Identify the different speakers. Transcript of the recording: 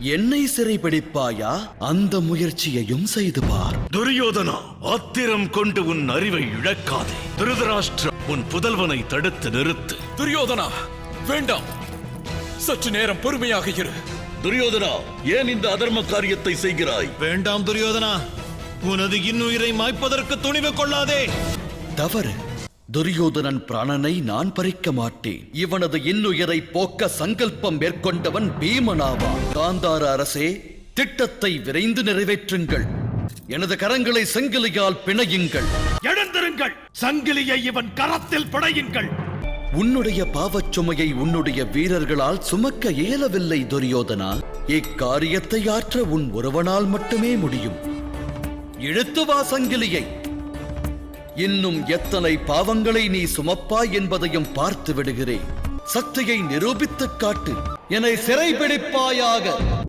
Speaker 1: என்னை சிறைபிடிப்பாயா? அந்த முயற்சியையும் செய்து பார்.
Speaker 2: துரியோதனா, ஆத்திரம் கொண்டு உன் அறிவை இழக்காதே. திருதராஷ்டிரா, உன் புதல்வனை தடுத்து நிறுத்து.
Speaker 3: துரியோதனா, வேண்டாம். சற்று நேரம் பொறுமையாக இரு.
Speaker 2: துரியோதனா, ஏன் இந்த அதர்ம காரியத்தை செய்கிறாய்?
Speaker 4: வேண்டாம் துரியோதனா, உனது இன்னுயிரை மாய்ப்பதற்கு துணிவு கொள்ளாதே.
Speaker 1: தவறு. துரியோதனன் பிராணனை நான் பறிக்க மாட்டேன். இவனது இன்னுயிரை போக்க சங்கல்பம் மேற்கொண்டவன் பீமனாவான். காந்தார அரசே, திட்டத்தை விரைந்து நிறைவேற்றுங்கள். எனது கரங்களை சங்கிலியால் பிணையுங்கள்.
Speaker 2: எழுந்திருங்கள். சங்கிலியை இவன் கரத்தில் பிணையுங்கள்.
Speaker 1: உன்னுடைய பாவச்சுமையை உன்னுடைய வீரர்களால் சுமக்க இயலவில்லை துரியோதனா. இக்காரியத்தை ஆற்ற உன் ஒருவனால் மட்டுமே முடியும். இழுத்து வா சங்கிலியை. இன்னும் எத்தனை பாவங்களை நீ சுமப்பாய் என்பதையும் பார்த்து விடுகிறேன். சக்தியை நிரூபித்துக் காட்டு. என்னை சிறைபிடிப்பாயாக.